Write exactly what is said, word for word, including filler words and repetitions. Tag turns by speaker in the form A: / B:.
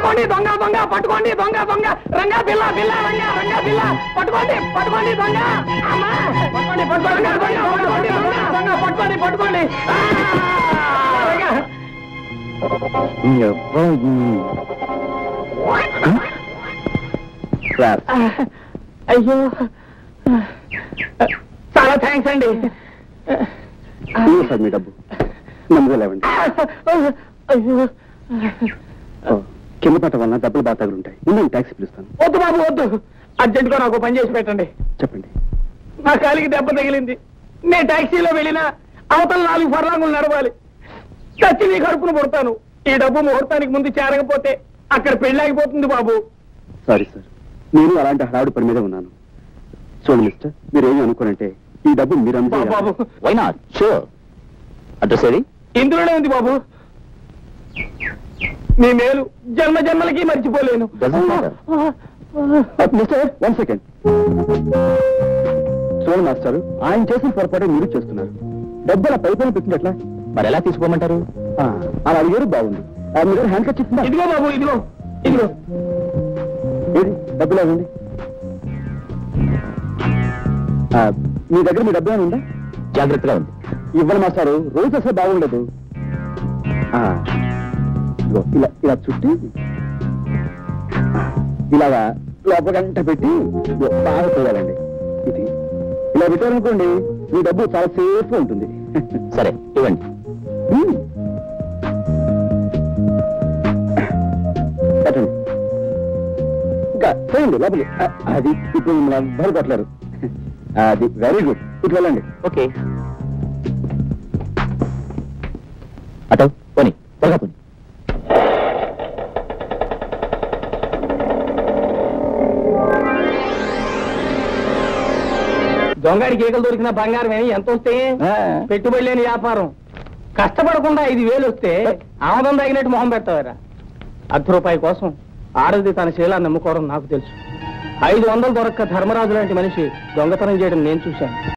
A: పట్టుకోండి దొంగ దొంగ పట్టుకోండి దొంగ దొంగ రంగా బిల్ల బిల్ల రంగా రంగా బిల్ల పట్టుకోండి పట్టుకోండి దొంగ అమ్మా పట్టుకోండి పట్టుకోండి పట్టుకోండి దొంగ పట్టుకోండి పట్టుకోండి అయ్యో చాలా థ్యాంక్స్ అండి
B: సార్ మీ డబ్బు నమ్మలేవండి
A: అయ్యో
B: కింద పట్ట వలన డబ్బులు బాగా తగులుంటాయి నేను ట్యాక్సీ పిలుస్తాను.
A: వద్దు బాబు వద్దు అర్జెంటుగా నాకు పని చేసి పెట్టండి.
B: చెప్పండి.
A: నా కాలికి దెబ్బ తగిలింది. నేను ట్యాక్సీలో వెళ్ళినా అవతల నాలుగు ఫర్లాంగులు నడవాలి. చచ్చి నీ కడుపును పుడతాను. ఈ డబ్బు ముహూర్తానికి ముందు చేరకపోతే అక్కడ పెళ్ళాగిపోతుంది బాబు.
B: సారీ సార్, నేను అలాంటి హడావుడి పని మీద ఉన్నాను. చూడండి మిస్టర్, మీరు ఏమి అనుకోనంటే ఈ డబ్బు మీరు
A: బాబు
B: వై నాట్ షూర్. అడ్రస్ ఏది?
A: ఇందులోనే ఉంది బాబు. నీ మేలు జన్మ జన్మలకి మర్చిపోలేను.
B: Mister one second. చూడండి మాస్టర్, ఆయన చేసిన పొరపాటు మీరు చేస్తున్నారు. డబ్బు అలా పైపైన పెట్టినట్లా మరి ఎలా తీసుకోమంటారు? అలా అడిగారు బాగుంది. మీ దగ్గర హ్యాండ్ కట్ చెప్తున్నా.
A: ఇదిగో బాబు ఇదిగో ఇదిగో
B: ఏది డబ్బులు అవ్వండి. మీ దగ్గర మీ డబ్బు ఏమైనా ఉందా? జాగ్రత్తగా ఉంది. ఇవ్వండి మాస్టారు, రోజు అసలు బాగుండదు. ఇలా ఇలా చుట్టి ఇలాగా లోపల గంట పెట్టి బాగా పోయాలండి. ఇది ఇలా పెట్టారనుకోండి మీ డబ్బు చాలా సేఫ్ గా ఉంటుంది. సరే ఇవ్వండి. పెట్టండి. ఇంకా చేయండి లోపలి. అది ఇప్పుడు ఎవ్వరు కొట్టలేరు. అది వెరీ గుడ్. ఇటు వెళ్ళండి. ఓకే అటో పోనీ త్వరగా పోనీ.
A: దొంగడికి ఏకలు దొరికిన బంగారం ఏమి ఎంత వస్తే పెట్టుబడి లేని వ్యాపారం. కష్టపడకుండా ఐదు వేలు వస్తే ఆమదం తగినట్టు మొహం పెడతావారా? అర్ధ రూపాయి కోసం ఆడది తన శీలాన్ని నమ్ముకోవడం నాకు తెలుసు. ఐదు వందలు దొరక్క ధర్మరాజు లాంటి మనిషి దొంగతనం చేయడం నేను చూశాను.